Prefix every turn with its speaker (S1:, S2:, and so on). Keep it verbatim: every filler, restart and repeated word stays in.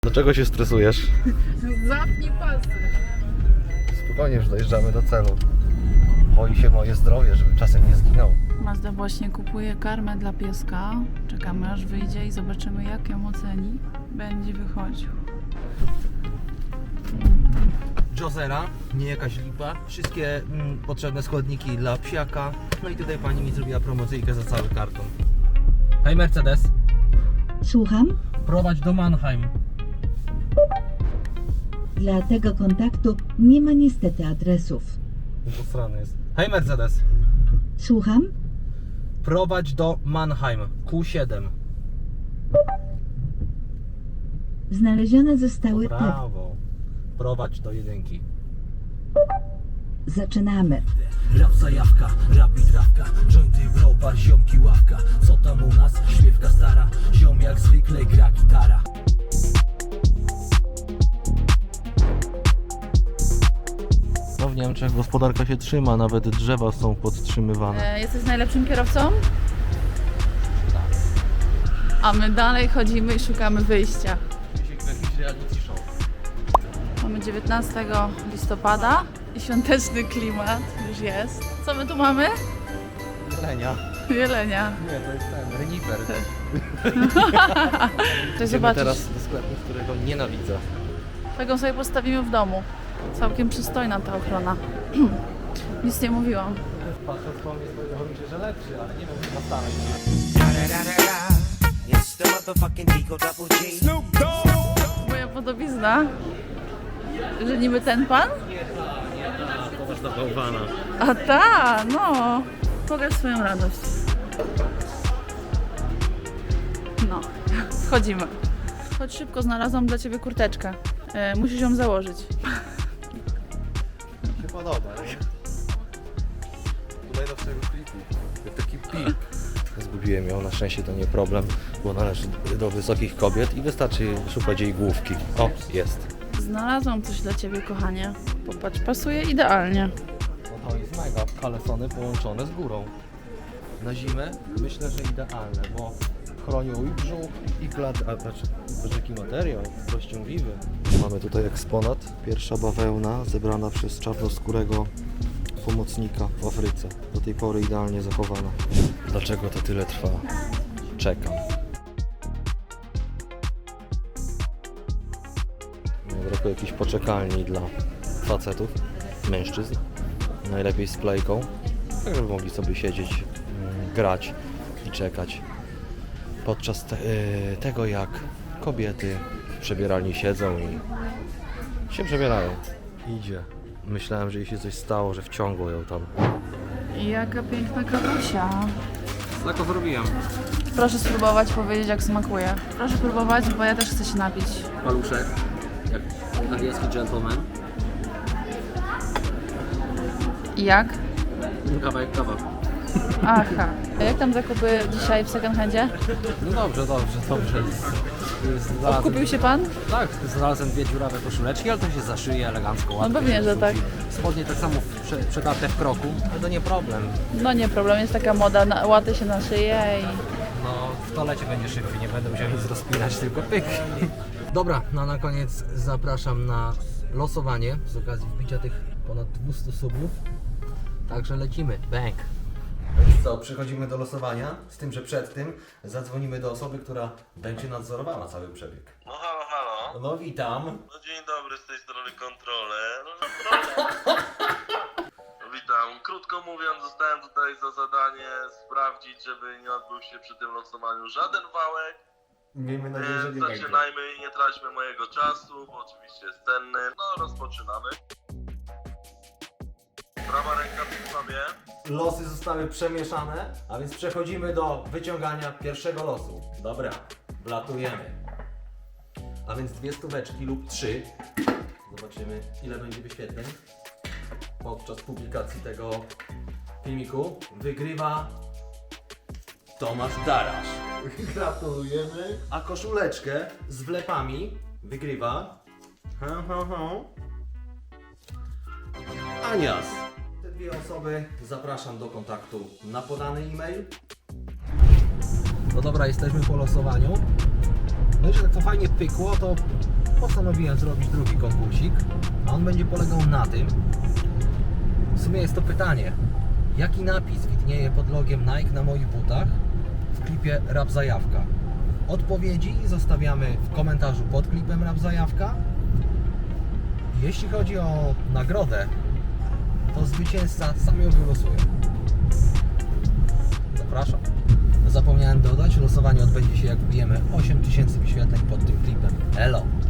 S1: Dlaczego się stresujesz?
S2: Zapnij pasy.
S1: Spokojnie, już dojeżdżamy do celu. Boi się moje zdrowie, żeby czasem nie zginął.
S2: Mazda właśnie kupuje karmę dla pieska. Czekamy aż wyjdzie i zobaczymy, jak ją oceni. Będzie wychodził.
S3: Josera, nie jakaś lipa. Wszystkie mm, potrzebne składniki dla psiaka. No i tutaj pani mi zrobiła promocyjkę za cały karton. Hej Mercedes,
S4: Słucham?
S3: prowadź do Mannheim.
S4: Dla tego kontaktu nie ma niestety adresów.
S3: Posrany jest. Hej Mercedes,
S4: Słucham?
S3: prowadź do Mannheim, Q siedem.
S4: Znalezione zostały te.
S3: Brawo. Prowadź do jedynki.
S4: Zaczynamy.
S5: Rap zajawka, rap i trawka, jointy, browar, ziomki, ławka. Co tam u nas? Śpiewka stara, ziom jak zwykle gra gitara.
S1: No w Niemczech gospodarka się trzyma, nawet drzewa są podtrzymywane.
S2: E, jesteś najlepszym kierowcą? A my dalej chodzimy i szukamy wyjścia. Mamy dziewiętnastego listopada i świąteczny klimat już jest. Co my tu mamy?
S1: Jelenia.
S2: Jelenia.
S1: Nie, to jest ten, renifer.
S2: Chcesz
S1: Idziemy
S2: zobaczyć?
S1: teraz do sklepu, którego nienawidzę.
S2: Taką sobie postawimy w domu. Całkiem przystojna ta ochrona. Nic nie mówiłam.
S1: Patrząc po mnie, wydawało mi się, że lepszy, ale nie wiem, chyba stale.
S5: It's the motherfucking Eagle Double G. Snoop Dogg.
S2: Moja podobizna. Że niby ten pan?
S1: Popatrz na bałwana.
S2: A ta, no. Pokaż swoją radość. No, wchodzimy. Chodź szybko, znalazłam dla ciebie kurteczkę. E, musisz ją założyć.
S1: Mi się podoba. Tutaj do tego klipu. Jak taki pik. Zgubiłem ją, na szczęście to nie problem, bo należy do wysokich kobiet i wystarczy szukać jej główki. O, jest.
S2: Znalazłam coś dla ciebie, kochanie. Popatrz, pasuje idealnie.
S1: No to jest mega. Kalesony połączone z górą. Na zimę myślę, że idealne, bo chronią i brzuch, i klat, a patrz, patrz jaki materiał, rozciągliwy. Mamy tutaj eksponat, pierwsza bawełna zebrana przez czarnoskórego pomocnika w Afryce. Do tej pory idealnie zachowana. Dlaczego to tyle trwa? Czekam. Brakuje jakiejś poczekalni dla facetów, mężczyzn. Najlepiej z plejką, tak żeby mogli sobie siedzieć, mm, grać i czekać. Podczas te, y, tego jak kobiety w przebieralni siedzą i się przebierają. Idzie. Myślałem, że jej się coś stało, że wciągło ją tam.
S2: Jaka piękna kawusia.
S3: Tak to zrobiłem.
S2: Proszę spróbować, powiedzieć jak smakuje. Proszę próbować, bo ja też chcę się napić.
S3: Paluszek, jak angielski gentleman.
S2: I jak?
S3: Kawałek kawa.
S2: Aha. A jak tam zakupy dzisiaj w second handzie?
S3: No dobrze, dobrze, dobrze. Znalazłem,
S2: Kupił się pan?
S3: tak, znalazłem dwie dziurawe koszuleczki, ale to się zaszyje elegancko. łatwo
S2: pewnie,
S3: się
S2: że tak.
S3: wrzuci. Spodnie tak samo prze, przedarte w kroku, ale to nie problem.
S2: No nie problem, jest taka moda, na, łaty się na szyję i...
S3: No, w toalecie będzie szybciej, nie będę musiał nic rozpinać, tylko pyk. Dobra, no na koniec zapraszam na losowanie z okazji wbicia tych ponad dwieście subów. Także lecimy, bang. Co, przechodzimy do losowania, z tym, że przed tym zadzwonimy do osoby, która będzie nadzorowała cały przebieg.
S6: No halo, halo.
S3: No witam.
S6: No dzień dobry, z tej strony kontroler. Witam. Krótko mówiąc, zostałem tutaj za zadanie sprawdzić, żeby nie odbył się przy tym losowaniu żaden wałek.
S1: Miejmy nadzieję, że
S6: Więc
S1: nie będzie.
S6: zaczynajmy i nie traćmy mojego czasu, bo oczywiście jest cenny. No, rozpoczynamy. Prawa ręka przy sobie.
S3: Losy zostały przemieszane, a więc przechodzimy do wyciągania pierwszego losu. Dobra, wlatujemy. A więc dwie stóweczki lub trzy. Zobaczymy, ile będzie wyświetleń podczas publikacji tego filmiku. Wygrywa Tomasz Darasz. Gratulujemy. A koszuleczkę z wlepami wygrywa ha, ha, ha. Anias. Te dwie osoby zapraszam do kontaktu na podany e-mail. No dobra, jesteśmy po losowaniu. No i że tak to fajnie pykło, to postanowiłem zrobić drugi konkursik, a on będzie polegał na tym, w sumie jest to pytanie, jaki napis widnieje pod logiem Nike na moich butach w klipie Rap Zajawka? Odpowiedzi zostawiamy w komentarzu pod klipem Rap Zajawka. Jeśli chodzi o nagrodę, to zwycięzca sam ją wylosuje. Zapraszam. Zapomniałem dodać, losowanie odbędzie się jak wbijemy osiem tysięcy wyświetleń pod tym klipem. Elo!